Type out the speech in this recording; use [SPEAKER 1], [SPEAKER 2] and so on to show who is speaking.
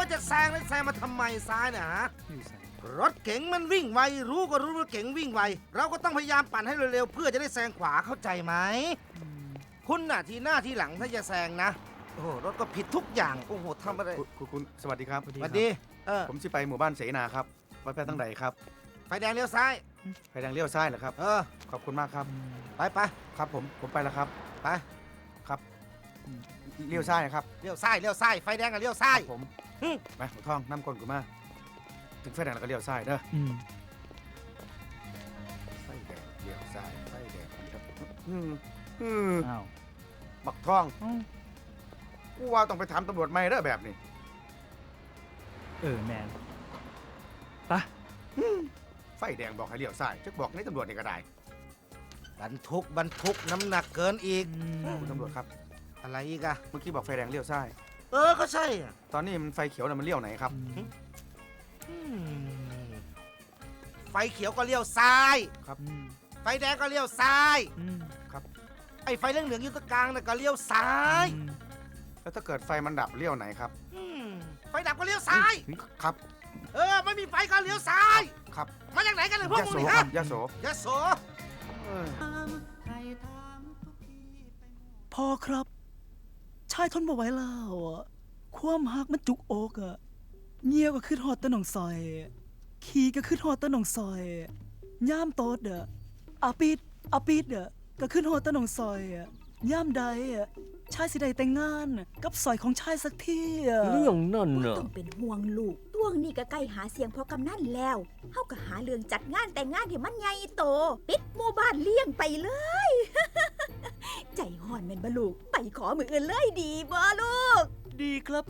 [SPEAKER 1] ว่าจะแซงแล้วแซงมาทำไมซ้ายนะฮะรถเก๋งมันวิ่งไวรู้ก็รู้ว่าเก๋งวิ่งไวเราก็ต้องพยายามปั่นให้เร็วๆเพื่อจะได้แซงขวาเข้าใจไหมคุณน่ะทีหน้าทีหลังถ้าจะแซงนะโอ้โหรถก็ผิดทุกอย่างโอ้โหทำอะไร
[SPEAKER 2] คุณสวัสดีครับ
[SPEAKER 1] สวัสดี
[SPEAKER 2] ผมสิไปหมู่บ้านเสนาครับไปทางไหนครับ
[SPEAKER 1] ไฟแดงเลี้ยวซ้าย
[SPEAKER 2] ไฟแดงเลี้ยวซ้ายเหรอครับขอบคุณมากครับ
[SPEAKER 1] ไป
[SPEAKER 2] ครับผมไปแล้วครับ
[SPEAKER 1] ไป
[SPEAKER 2] ครับเลี้ยวซ้ายครับ
[SPEAKER 1] เลี้ยวซ้ายไฟแดงกับเลี้ยวซ้าย
[SPEAKER 2] ผมไปหัวทองน้ำก้นกูมาถึงไฟแดงแล้วก็เลี้ยวซ้ายเด้อไฟแดงเลี้ยวซ้ายไฟแดงบักทองกูว่าต้องไปถามตำรวจใหม่เด้อแบบนี้
[SPEAKER 3] แมนปะ
[SPEAKER 2] ไฟแดงบอกให้เลี้ยวซ้ายจะบอกในตำรวจนี่ก็ได้
[SPEAKER 1] บรรทุกน้ำหนักเกินอีก
[SPEAKER 2] คุณตำรวจครับ
[SPEAKER 1] อะไรอีกอะ
[SPEAKER 2] เมื่อกี้บอกไฟแดงเลี้ยวซ้าย
[SPEAKER 1] ก็ใช่อะ
[SPEAKER 2] ตอนนี้มันไฟเขียวน่ะมันเลี้ยวไหนครับ
[SPEAKER 1] ไฟเขียวก็เลี้ยวซ้าย
[SPEAKER 2] ครับ
[SPEAKER 1] ไฟแดงก็เลี้ยวซ้าย
[SPEAKER 2] ครับ
[SPEAKER 1] ไอ้ไฟเหลืองๆอยู่ตรงกลางน่ะก็เลี้ยวซ้าย
[SPEAKER 2] แล้วถ้าเกิดไฟมันดับเลี้ยวไหนครับ
[SPEAKER 1] ไฟดับก็เลี้ยวซ้าย
[SPEAKER 2] ครับ
[SPEAKER 1] ไม่มีไฟก็เลี้ยวซ้าย
[SPEAKER 2] ครับ
[SPEAKER 1] มาจากไหนกันเลยพวกมึงนี่ฮะ
[SPEAKER 2] ยโส
[SPEAKER 3] พ่อครับชายทนบ่ไหวแล้วความหักมันจุกอกเงี่ยวก็ขึ้นหอดตะหนองซอยขี่ก็ขึ้นหอดตะหนองซอยย่ามโตดอาปิดก็ขึ้นหอดตะหนองซอยย่ามใดชายสิได้แต่งงานกับซอยของชายสักที
[SPEAKER 4] เรื่องนั่นน่ะ
[SPEAKER 5] ต้องเป็นห่วงลูกต้วงนี่ก็ใกล้หาเสียงพอกำนันแล้วเฮาก็หาเรื่องจัดงานแต่งงานให้มันใหญ่โตปิดหมู่บ้านเลี้ยงไปเลย ใจห่อนแม่นบ่ลูกไปขอมืออื่นเลยดีบ่ลูก
[SPEAKER 3] ดีครับ